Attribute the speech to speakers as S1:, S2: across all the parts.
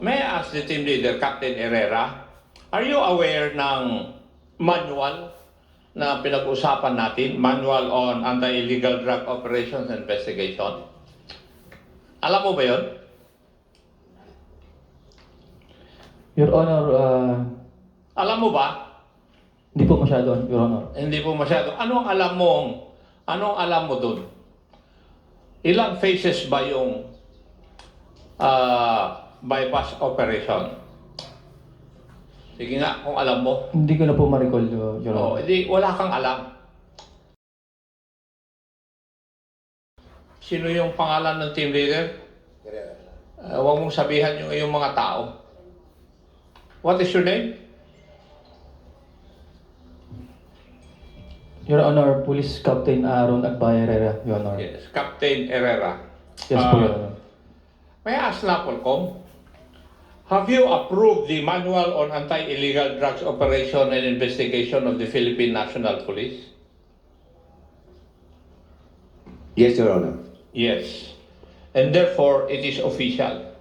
S1: May I ask the team leader, Captain Herrera, are you aware ng manual na pinag-usapan natin, Manual on Anti-Illegal Drug Operations Investigation? Alam mo ba yun?
S2: Your Honor,
S1: Alam mo ba?
S2: hindi po masyado, Your Honor.
S1: Hindi po masyado. Anong alam mo dun? Ilang phases ba yung bypass operation? Sige nga, kung alam mo.
S2: Hindi ko na po ma-recall, Your
S1: Oh,
S2: Honor.
S1: hindi, wala kang alam. Sino yung pangalan ng team leader? Huwag mong sabihan yung mga tao. What is your name?
S2: Your Honor, Police Captain Aaron Agbay Herrera, Your Honor.
S1: Yes, Captain Herrera.
S2: Yes po, Your Honor.
S1: May I ask Napolcom, have you approved the Manual on Anti-Illegal Drugs Operation and Investigation of the Philippine National Police?
S3: Yes, Your Honor.
S1: Yes. And therefore, it is official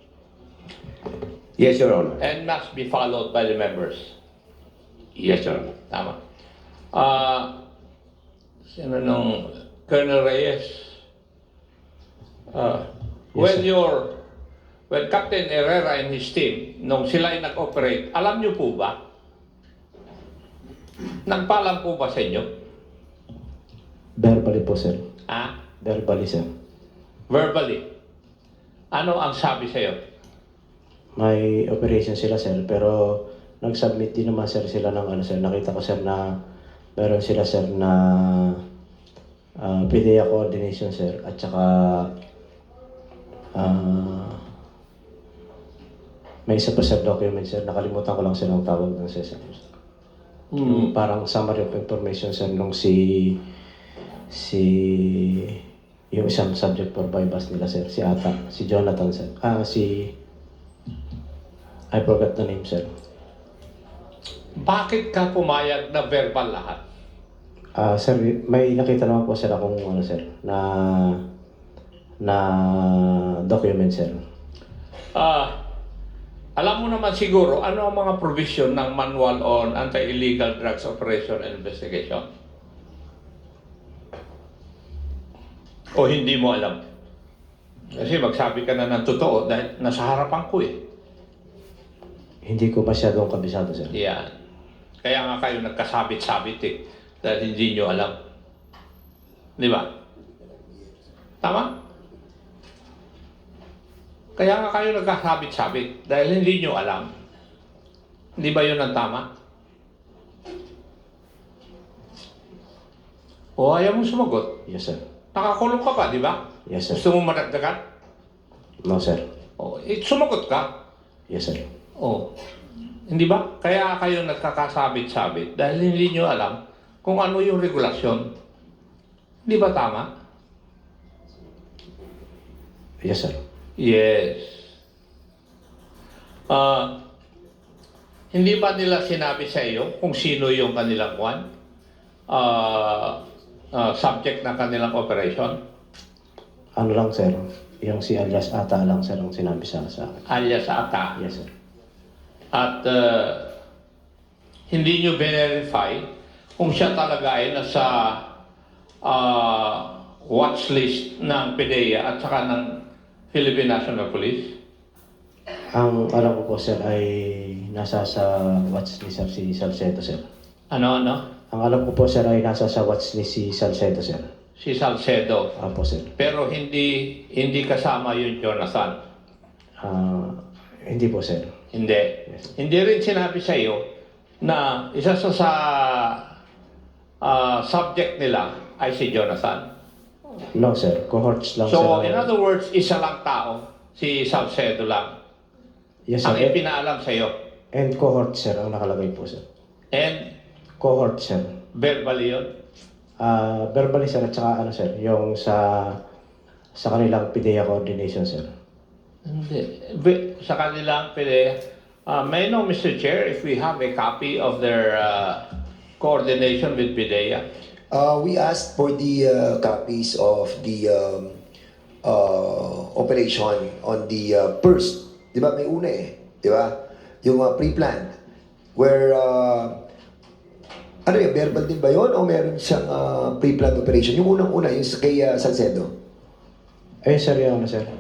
S3: Yes, Your Honor.
S1: and must be followed by the members.
S3: Yes, Your Honor.
S1: Tama. Sino nung Colonel Reyes? When Captain Herrera and his team, nung sila ay nag-operate, alam niyo po ba? Nagpaalam po ba sa inyo?
S2: Verbally po, sir.
S1: Ha?
S2: Verbally, sir.
S1: Verbally. Ano ang sabi sa iyo?
S4: May operation sila, sir, pero nag-submit din naman, sir, sila ng sir. Nakita ko, sir, na meron sila, sir, na PDEA coordination, sir, at saka may isa pa, sir, document, sir. Nakalimutan ko lang, sir, ang tawag ng sir. Yung parang summary of information, sir, nung yung isang subject for bypass nila, sir, si Jonathan, sir. I forgot the name, sir.
S1: Bakit ka pumayag na verbal lahat?
S4: Sir, may nakita naman po, sir, akong sir, na document, sir.
S1: Alam mo naman siguro ano ang mga provision ng Manual on Anti-Illegal Drugs Operation and Investigation? O hindi mo alam? Kasi magsabi ka na ng totoo dahil nasa harapan ko eh.
S4: Hindi ko masyadong kabisado, sir.
S1: Yan. Kaya nga kayo nagkasabit-sabit eh. Dahil hindi nyo alam. Di ba? Tama? Kaya nga kayo nagkasabit-sabit dahil hindi nyo alam. Hindi ba yun ang tama? O ayaw mo sumagot?
S4: Yes, sir.
S1: Nakakulong ka pa, di ba?
S4: Yes, sir.
S1: Gusto mo madagdagan?
S4: No, sir.
S1: O, sumagot ka?
S4: Yes, sir.
S1: Oh, hindi ba? Kaya kayo nagkakasabit-sabit dahil hindi nyo alam kung ano yung regulasyon. Di ba tama?
S4: Yes, sir.
S1: Yes. Hindi ba nila sinabi sa iyo kung sino yung kanilang subject ng kanilang operation?
S4: Ano lang, sir? Yung si alias Ata lang, sir, ang sinabi sa akin.
S1: Alias Ata.
S4: Yes, sir.
S1: At hindi nyo verify kung siya talaga ay nasa watch list ng PDEA at saka ng Philippine National Police?
S4: Ang alam ko po, sir, ay nasa sa watch ni sir, si Salcedo, sir.
S1: Ano?
S4: Ang alam ko po, sir, ay nasa sa watch ni si Salcedo, sir.
S1: Si Salcedo.
S4: Apo, sir.
S1: Pero hindi kasama yung Jonathan.
S4: Hindi po, sir.
S1: Hindi.
S4: Yes.
S1: Hindi rin sinabi sa iyo na isa sa subject nila ay si Jonathan.
S4: No, sir. Cohorts lang,
S1: So,
S4: sir.
S1: in other words, isa lang tao, si Salcedo lang,
S4: Yes,
S1: ang
S4: sir.
S1: ipinaalam sa iyo.
S4: And cohort, sir, ang nakalagay po, sir.
S1: And
S4: Cohort, sir.
S1: verbally yun.
S4: Verbally, sir, at saka sir, yung sa kanilang PDEA coordination, sir.
S1: Hindi. Sa kanilang may I know, Mr. Chair, if we have a copy of their coordination with PIDEA?
S5: We asked for the copies of the operation on the first Di ba? May una eh. Di ba? Yung pre-planned. Where, ano yung verbal din ba yun? O meron siyang pre-planned operation? Yung unang-una, yung kay Salcedo.
S4: Ayun sir, yung ano sir.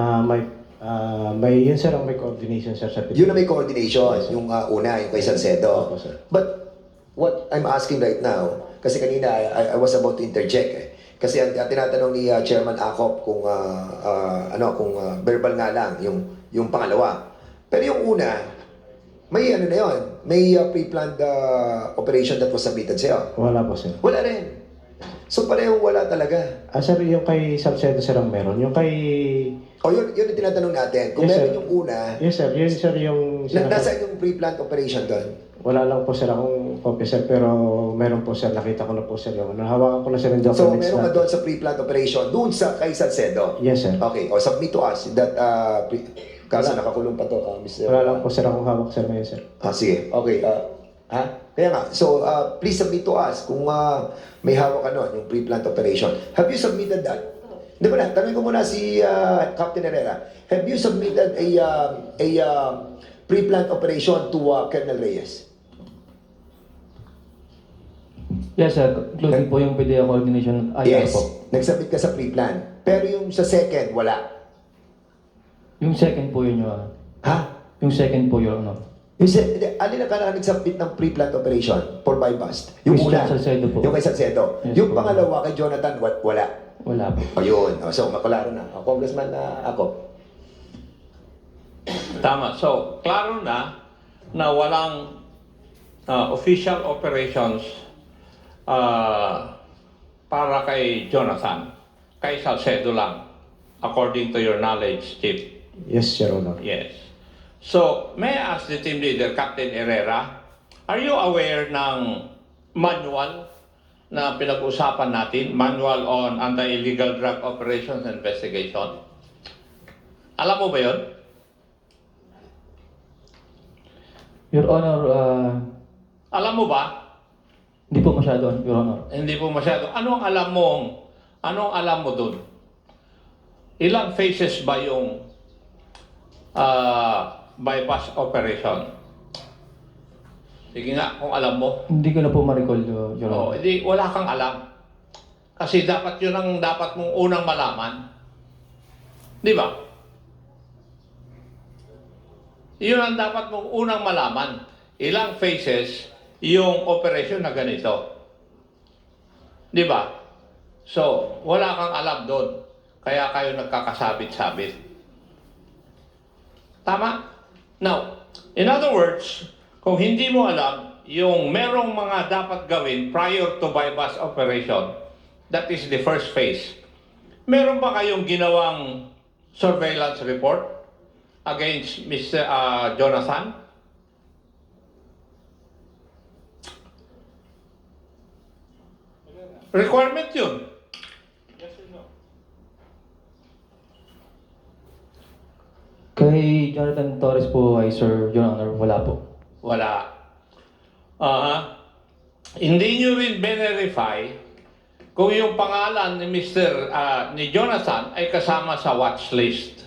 S4: May yun sir ang may coordination sir sa
S5: Yun na may coordination. Yung una, yung kay Salcedo.
S4: Opo, sir.
S5: But what I'm asking right now, kasi kanina I was about to interject eh. Kasi ang tinatanong ni Chairman Acop kung kung verbal nga lang yung pangalawa. Pero yung una, may ano na yun, may pre-planned operation that was submitted sa'yo.
S4: Wala po sir.
S5: Wala rin. So parehong wala talaga.
S4: Sir, yung kay Salcedo sir ang meron. Yung kay...
S5: O yun yung tinatanong natin. Kung
S4: Yes,
S5: meron
S4: sir.
S5: yung una,
S4: Yes sir, yun sir yung...
S5: nasaan yung pre-planned operation doon?
S4: Wala lang po sir akong copy sir, pero meron po sir, nakita ko na po sir yung... Nahawakan ko na sir yung
S5: So
S4: documents
S5: meron ka
S4: na...
S5: doon sa pre-planned operation, doon sa kay Salcedo.
S4: Yes sir.
S5: Okay, o submit to us that kaso nakakulong pa to, Mr.
S4: Wala lang po sir akong hawak sir ngayon sir.
S5: Sige. Okay. Kaya nga, so please submit to us kung may hawak ka nun, yung pre-planned operation. Have you submitted that? Hindi ba na? Tanungin ko muna si Captain Herrera. Have you submitted a pre-planned operation to Colonel Reyes?
S2: Yes, sir. Including po yung PDEA coordination IR
S5: Yes.
S2: po.
S5: Nagsubmit ka sa pre-plan. Pero yung sa second, wala.
S2: Yung second po yun, Your Honor.
S5: Ha?
S2: Yung second po, Your Honor.
S5: Alin na ka na nagsubmit ng pre-planned operation for bypass? Yung
S2: Christian
S5: una,
S2: Salcedo po.
S5: yung kay Salcedo.
S2: Yes,
S5: Yung
S2: po.
S5: pangalawa kay Jonathan, wala.
S2: Wala po.
S5: O yun. So, makularo na. Congressman ako.
S1: Tama. So, klaro na walang official operations para kay Jonathan. Kay Salcedo lang. According to your knowledge, Chief.
S4: Yes, Your Honor.
S1: Yes. So, may I ask the team leader, Captain Herrera, are you aware ng manual na pinag-usapan natin, Manual on Anti-Illegal Drug Operations Investigation? Alam mo ba yun?
S2: Your Honor,
S1: Alam mo ba?
S2: hindi po masyado, Your Honor.
S1: Hindi po masyado. Anong alam mo dun? Ilang phases ba yung bypass operation? Sige nga, kung alam mo.
S2: Hindi ko na po ma-recall, Your
S1: Oh,
S2: Honor.
S1: hindi, wala kang alam. Kasi dapat yun ang dapat mong unang malaman. Di ba? Yun ang dapat mong unang malaman. Ilang phases yung operation na ganito. Di ba? So, wala kang alam doon. Kaya kayo nagkakasabit-sabit. Tama? Now, in other words, kung hindi mo alam yung merong mga dapat gawin prior to bypass operation, that is the first phase. Meron ba kayong ginawang surveillance report against Mr. Jonathan? Requirement yun.
S2: Kay Jonathan Torres po ay Sir, Your Honor, wala po.
S1: Wala. Hindi nyo rin verify kung yung pangalan ni ni Jonathan ay kasama sa watch list.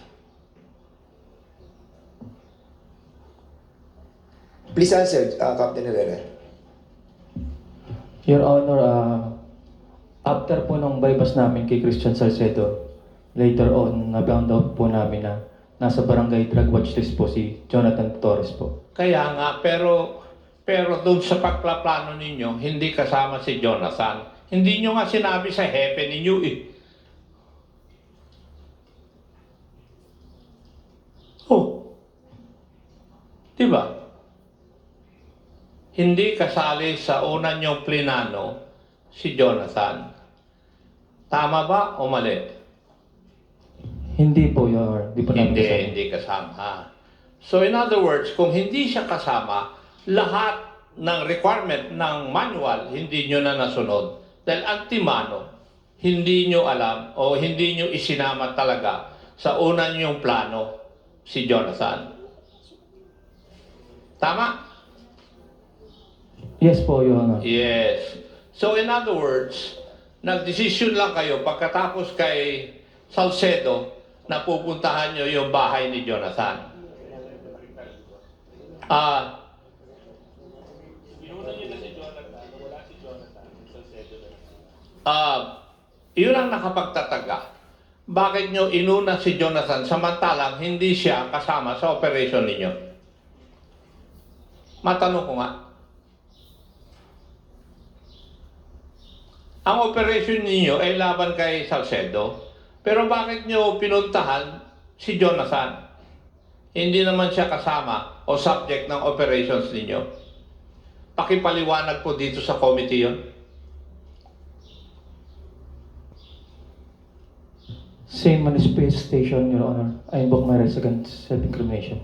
S5: Please answer, Captain Herrera.
S2: Your Honor, after po nung bypass namin kay Christian Salcedo, later on, na-found out po namin na nasa barangay drug watch list po si Jonathan Torres po.
S1: Kaya nga, pero doon sa pagplaplano ninyo, hindi kasama si Jonathan. Hindi nyo nga sinabi sa hepe ninyo eh. Oh. Diba? Hindi kasali sa una nyong plinano si Jonathan. Tama ba o mali?
S2: Hindi po, Your Honor. Hindi po namin kasama.
S1: Hindi kasama. So in other words, kung hindi siya kasama, lahat ng requirement ng manual, hindi nyo na nasunod. Dahil antimano, hindi nyo alam o hindi nyo isinama talaga sa una nyong plano si Jonathan. Tama?
S2: Yes po, Your Honor.
S1: Yes. So in other words, nagdesisyon lang kayo pagkatapos kay Salcedo na pupuntahan nyo yung bahay ni Jonathan. Ah, yun ang nakapagtataga. Bakit nyo inuna si Jonathan samantalang hindi siya kasama sa operation ninyo? Matanong ko nga. Ang operation ninyo ay laban kay Salcedo. Pero bakit nyo pinuntahan si Jonathan? Hindi naman siya kasama o subject ng operations ninyo. Pakipaliwanag po dito sa committee yun.
S2: Same manifestation, Your Honor. I invoke my rights against self-incrimination.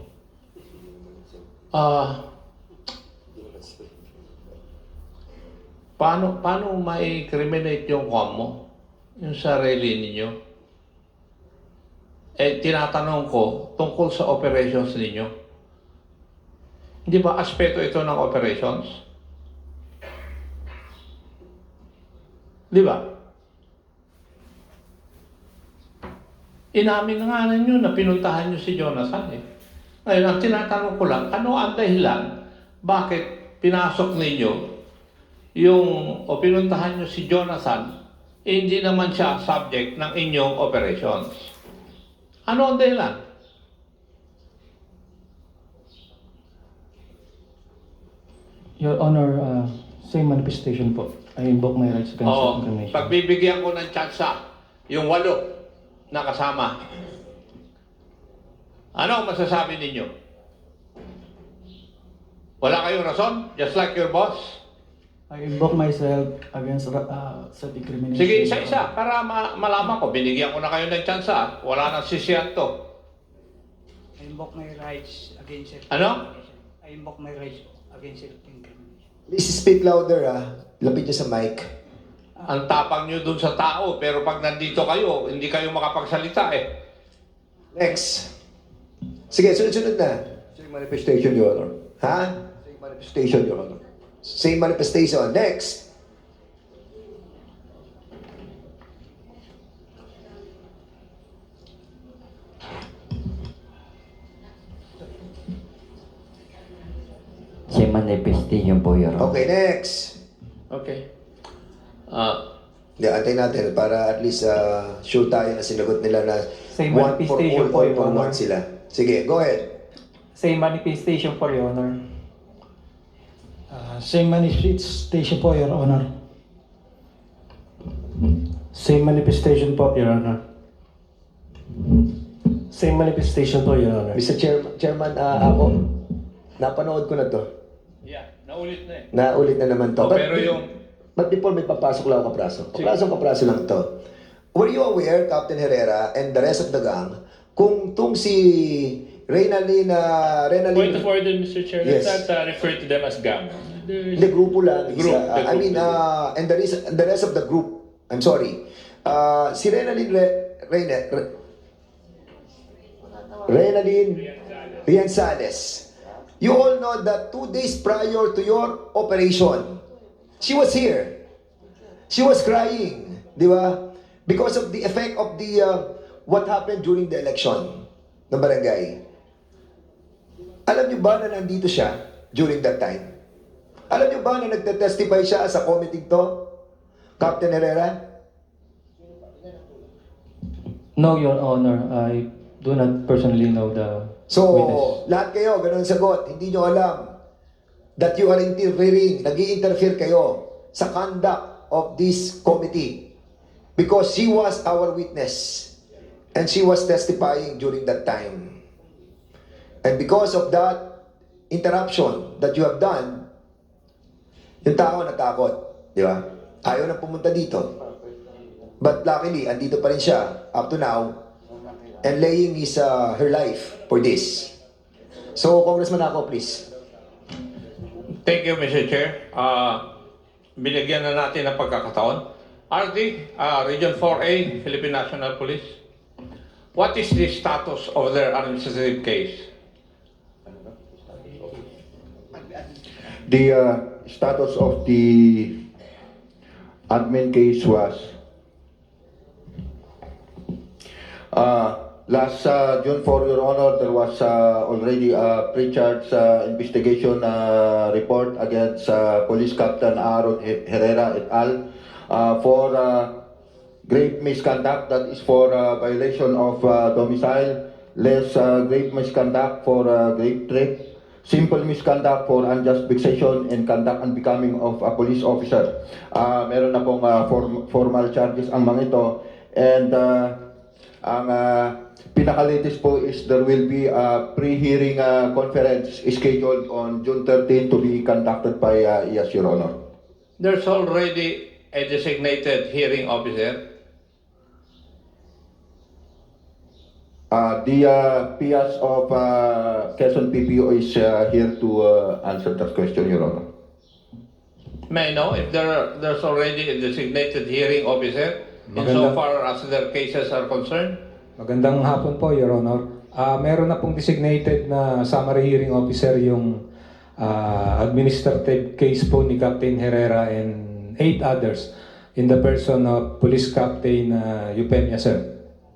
S1: Paano ma-criminate yung kwan mo? Yung sarili ninyo? Tinatanong ko tungkol sa operations ninyo. Hindi ba aspeto ito ng operations? Di ba? Inamin na nga ninyo na pinuntahan nyo si Jonathan eh. Ngayon, ang tinatanong ko lang, ano ang dahilan bakit pinasok ninyo o pinuntahan nyo si Jonathan, hindi naman siya subject ng inyong operations? Ano ang dahilan?
S2: Your Honor, same manifestation po. I invoke my rights against self-incrimination.
S1: Pagbibigyan ko ng tsansa, yung 8 na kasama. Ano ang masasabi ninyo? Wala kayong rason? Just like your boss?
S6: I invoke myself against self-incrimination.
S1: Sige, isa-isa, para malaman ko. Binigyan ko na kayo ng tsansa. Wala nang sisiyan to.
S6: I invoke my rights against self-incrimination.
S1: Ano?
S6: I invoke my rights against self-incrimination.
S5: Please speak louder, Lapit niyo sa mic.
S1: Ang tapang nyo dun sa tao, pero pag nandito kayo, hindi kayo makapagsalita eh.
S5: Next. Sige, sunod-sunod na.
S3: Same manifestation, Your Honor.
S5: Ha?
S3: Same manifestation, Your Honor.
S5: Same manifestation. Next.
S7: Same manifestation po, Your Honor.
S5: Okay, next.
S1: Okay.
S5: Hindi, antayin natin para at least sure tayo na sinagot nila na
S2: Same
S5: one for
S2: manifestation
S5: all,
S2: po,
S5: all
S2: Your
S5: for
S2: Honor.
S5: one sila. Sige, go ahead.
S2: Same manifestation po, Your Honor.
S6: Same manifestation po, Your Honor. Same manifestation po, Your Honor. Same manifestation po, Your Honor.
S5: Mr. Chairman, ako, napanood ko na to.
S1: Yeah, naulit na eh.
S5: Naulit na naman to.
S1: Oh, pero yung...
S5: But before may papasok lang ako kapraso. Kapraso lang to. Were you aware, Captain Herrera and the rest of the gang, kung tung si Reynalyn...
S8: Point of order, Mr. Chair.
S5: Yes.
S8: Let's not refer to them as gang.
S5: Hindi, grupo lang.
S8: Group,
S5: Isa,
S8: the
S5: I
S8: group,
S5: mean,
S8: the
S5: and the rest of the group, I'm sorry. Si Reynalyn Rianzales. You all know that 2 days prior to your operation, she was here. She was crying, di ba? Because of the effect of the what happened during the election ng barangay. Alam niyo ba na nandito siya during that time? Alam niyo ba na nagte-testify siya sa committee to? Captain Herrera?
S2: No, Your Honor. I do not personally know the
S5: So,
S2: witness.
S5: lahat kayo, ganun sagot. Hindi nyo alam that you are interfering, nag-i-interfere kayo sa conduct of this committee because she was our witness and she was testifying during that time. And because of that interruption that you have done, yung tao natakot, di ba? Ayaw na pumunta dito. But luckily, andito pa rin siya up to now and laying her life for this. So, Congressman ako, please.
S1: Thank you, Mr. Chair. Binigyan na natin ng pagkakataon. RD, Region 4A, Philippine National Police. What is the status of their administrative case?
S9: The status of the admin case was last June 4, Your Honor, there was already a pre-charge investigation report against Police Captain Aaron Herrera et al. For grave misconduct, that is for violation of domicile, less grave misconduct for grave threat, simple misconduct for unjust vexation, and conduct unbecoming of a police officer. Meron na pong formal charges ang mga ito. And ang pinaka-latest po is there will be a pre-hearing conference scheduled on June 13 to be conducted by yes, Your Honor.
S1: There's already a designated hearing officer.
S9: The PS of Quezon PPO is here to answer that question, Your Honor.
S1: May I know if there's already a designated hearing officer insofar as their cases are concerned?
S10: Magandang hapon po, Your Honor. Meron na pong designated na summary hearing officer yung administrative case po ni Captain Herrera and 8 others in the person of Police Captain Eupemia, sir.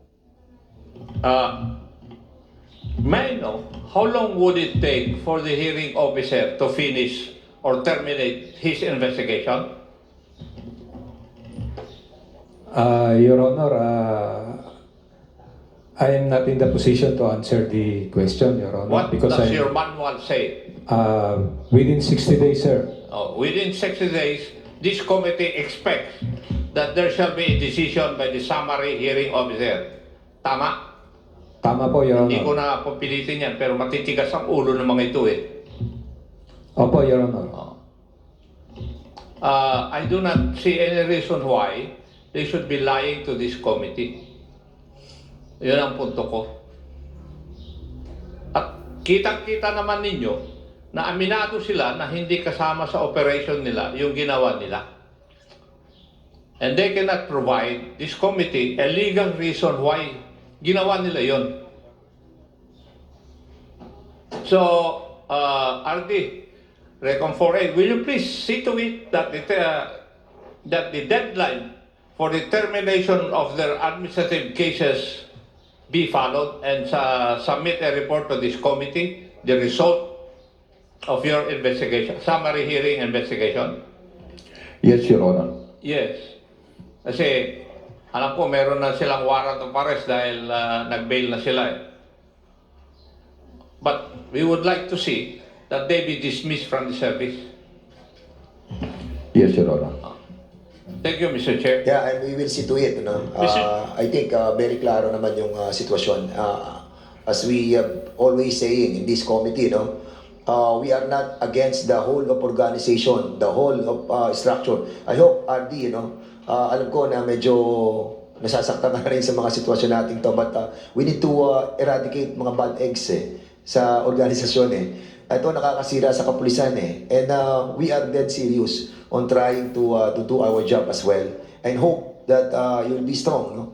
S1: May I know how long would it take for the hearing officer to finish or terminate his investigation?
S10: Your Honor, I am not in the position to answer the question, Your Honor.
S1: What
S10: because
S1: does your manual say?
S10: Within 60 days, sir.
S1: Within 60 days, this committee expects that there shall be a decision by the summary hearing officer. Tama?
S10: Tama po, Your
S1: Hindi ko
S10: Honor.
S1: na pupilitin yan, pero matitigas ang ulo ng mga ito eh.
S10: Opo, Your Honor.
S1: I do not see any reason why they should be lying to this committee. Yun ang punto ko. At kitang-kita naman ninyo na aminado sila na hindi kasama sa operation nila yung ginawa nila. And they cannot provide this committee a legal reason why ginawa nila yon. So, RD, Recon 4A, will you please see to it that the deadline for the termination of their administrative cases be followed and submit a report to this committee, the result of your investigation, summary hearing investigation?
S9: Yes, Your Honor.
S1: Yes. Kasi alam ko meron na silang warrant of arrest dahil nag-bail na sila eh. But we would like to see that they be dismissed from the service.
S9: Yes, Your Honor.
S1: Thank you, Mr. Chair.
S5: Yeah, and we will see to it. No? I think very klaro naman yung sitwasyon. As we always saying in this committee, no, we are not against the whole of organization, the whole of structure. I hope, RD, alam ko na medyo nasasaktan na rin sa mga sitwasyon natin to, but we need to eradicate mga bad eggs sa organisasyon Ito nakakasira sa kapulisan And we are dead serious on trying to do our job as well. And hope that you'll be strong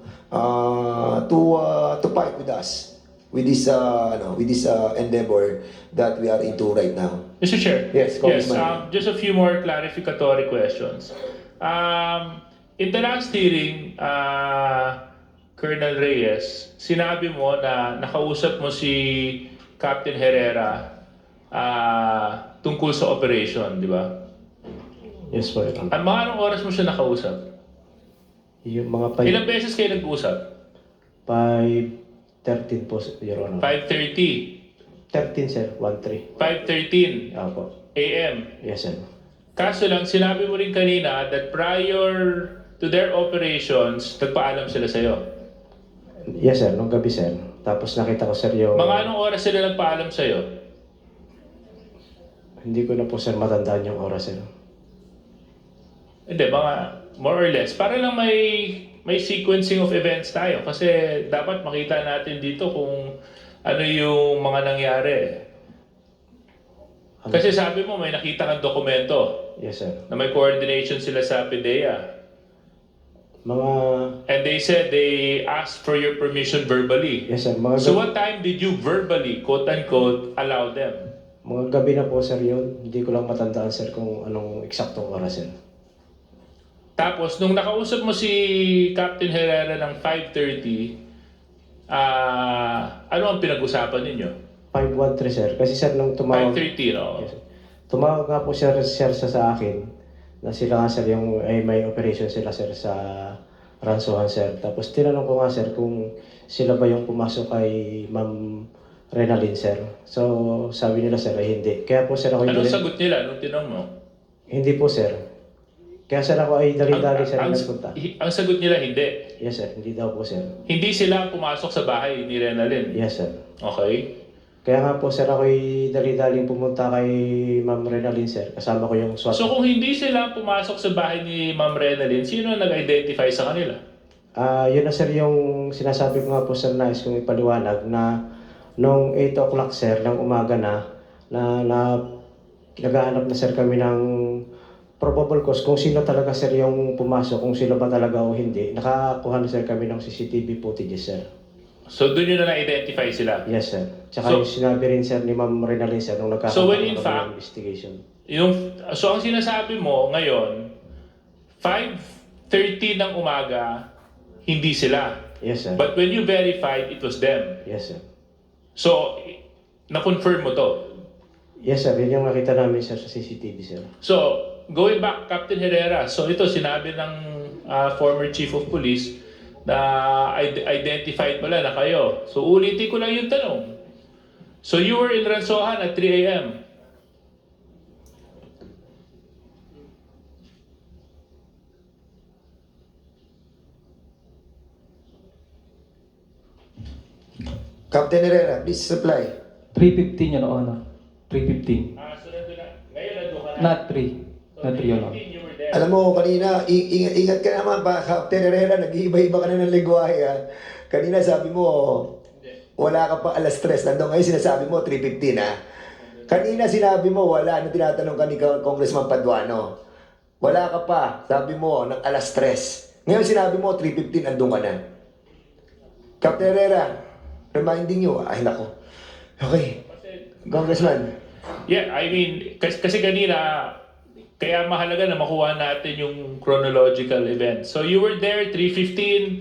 S5: to fight with us with this endeavor that we are into right now.
S8: Mr. Chair.
S5: Yes, Congressman.
S8: Just a few more clarificatory questions. In the last hearing, Colonel Reyes, sinabi mo na nakausap mo si Captain Herrera tungkol sa operation, di ba?
S4: Yes po, Your Honor.
S8: At mga anong oras mo siya nakausap?
S4: Yung mga
S8: Ilang beses kayo nag-usap?
S4: 5:13 po, Your Honor.
S8: 5:30,
S4: 13, sir. 1:3.
S8: 5:13
S4: Opo.
S8: a.m.
S4: Yes, sir.
S8: Kaso lang, sinabi mo rin kanina that prior to their operations, nagpaalam sila sa'yo.
S4: Yes, sir. Nung gabi, sir. Tapos nakita ko, sir, yung...
S8: Mga anong oras sila nagpaalam sa'yo?
S4: Hindi ko na po, sir, matandaan yung oras, sir.
S8: Hindi, mga more or less. Para lang may sequencing of events tayo. Kasi dapat makita natin dito kung ano yung mga nangyari. Kasi sabi mo, may nakita kang dokumento
S4: Yes, sir.
S8: na may coordination sila sa PDEA.
S4: Mga...
S8: And they said they asked for your permission verbally.
S4: Yes, sir. Mga
S8: So what time did you verbally, quote-unquote, allow them?
S4: Mga gabi na po, sir, yun. Hindi ko lang matandaan, sir, kung anong eksaktong oras, sir.
S8: Tapos, nung nakausap mo si Captain Herrera ng 5:30, Ano ang pinag-usapan ninyo?
S4: 513 sir. Kasi sir, nung tumawag...
S8: 5:30, no?
S4: Yes, sir. Tumawag nga po sir sa akin na sila nga sir yung may operation sila sir sa Ransohan sir. Tapos tinanong ko nga sir kung sila ba yung pumasok kay Ma'am Renalyn sir. So sabi nila sir ay hindi. Kaya po sir ako
S8: Anong sagot nila nung tinanong mo?
S4: Hindi po sir. Kaya sir ako ay dali-dali sir
S8: ang,
S4: nagpunta.
S8: ang sagot nila hindi.
S4: Yes sir, hindi daw po sir.
S8: Hindi sila pumasok sa bahay ni Renalyn.
S4: Yes sir.
S8: Okay.
S4: Kaya nga po sir ako ay dali-daling pumunta kay Ma'am Renalyn sir. Kasama ko yung SWAT.
S8: So kung hindi sila pumasok sa bahay ni Ma'am Renalyn, sino ang nag-identify sa kanila?
S4: Yun na sir yung sinasabi ko nga po sir, nais kong ipaliwanag na nung 8 o'clock sir ng umaga na naghahanap na sir kami ng probable cause kung sino talaga sir yung pumasok, kung sino ba talaga o hindi. Nakakuha na sir kami ng CCTV footage sir.
S8: So doon yun na na-identify sila?
S4: Yes sir. Tsaka
S8: So-
S4: yung sinabi rin sir ni Ma'am Renalyn sir nung
S8: So, when in
S4: nagkakaroon
S8: fact-
S4: ng investigation.
S8: So ang sinasabi mo ngayon, 5:30 ng umaga, hindi sila.
S4: Yes sir.
S8: But when you verified, it was them.
S4: Yes sir.
S8: So, na-confirm mo to.
S4: Yes sir, yun yung nakita namin sir sa CCTV sir.
S8: So, going back, Captain Herrera, so ito sinabi ng former Chief of Police na identified pala na kayo. So, ulitin ko lang yung tanong. So, you were in Ransohan at 3 a.m.
S5: Captain Herrera, please reply.
S2: 3:15, Your Honor. 3:15.
S8: So nandun na. Ngayon nandun ka na.
S2: Not 3. Not 3, Your Honor.
S8: You were there.
S5: Alam mo, kanina, ingat ka naman pa, Captain Herrera, nag-iiba-iba ka na ng lingwahe, ha? Kanina sabi mo, wala ka pa alas 3, nandun ngayon sinasabi mo, 3:15, ha? Kanina sinabi mo, wala, nung tinatanong ka ni Congressman Paduano. Wala ka pa, sabi mo, ng alas 3. Ngayon sinabi mo, 3:15, nandun ka na. Captain Herrera, reminding you, ay nako. Okay, Congressman.
S8: Yeah, I mean, kasi kanina, kaya mahalaga na makuha natin yung chronological event. So you were there, 3:15.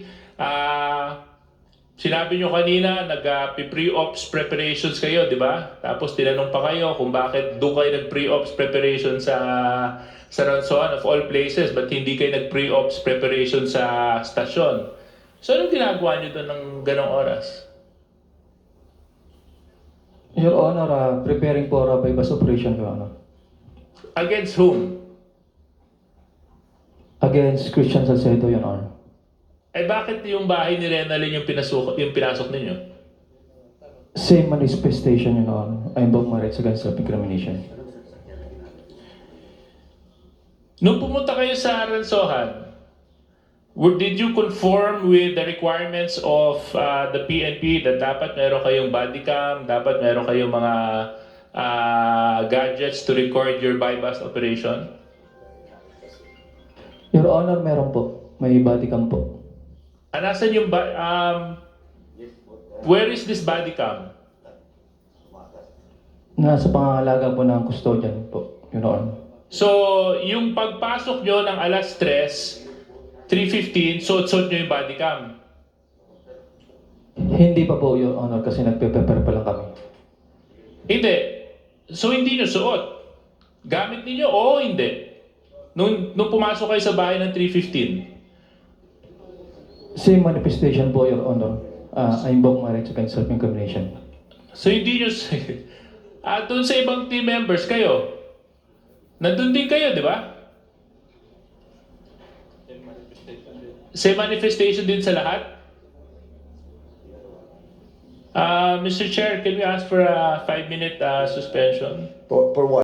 S8: Sinabi nyo kanina, nag-pre-ops preparations kayo, di ba? Tapos tinanong pa kayo kung bakit doon kayo nag-pre-ops preparation sa Ransohan of all places, but hindi kayo nag-pre-ops preparation sa stasyon. So anong ginagawa nyo doon ng ganong oras?
S2: Your Honor, preparing for a bypass operation, Your Honor.
S8: Against whom?
S2: Against Christian Salcedo, Your Honor.
S8: Eh bakit yung bahay ni Renalyn yung pinasok ninyo?
S2: Same manifestation, Your Honor. I invoke my rights against self-incrimination.
S8: Nung pumunta kayo sa Ransohan, did you conform with the requirements of the PNP that dapat meron kayong body cam, dapat meron kayong mga gadgets to record your bypass operation?
S2: Your Honor, meron po. May body cam po.
S8: Nasaan yung where is this body cam?
S2: Nasa pangangalaga po ng custodian po, Your Honor.
S8: So, yung pagpasok nyo ng alas 3:15, suot-suot nyo yung body cam.
S2: Hindi pa po, Your Honor, kasi nagpe-prepare pa lang kami.
S8: Hindi. So, hindi nyo suot. Gamit ninyo o hindi? Nung pumasok kayo sa bahay ng 3:15.
S2: Same manifestation po, Your Honor. I invoke my rights against self-incrimination.
S8: So, hindi nyo... doon sa ibang team members kayo. Nandun din kayo, di ba? Same manifestation din sa lahat? Mr. Chair, can we ask for a 5-minute suspension?
S5: For what?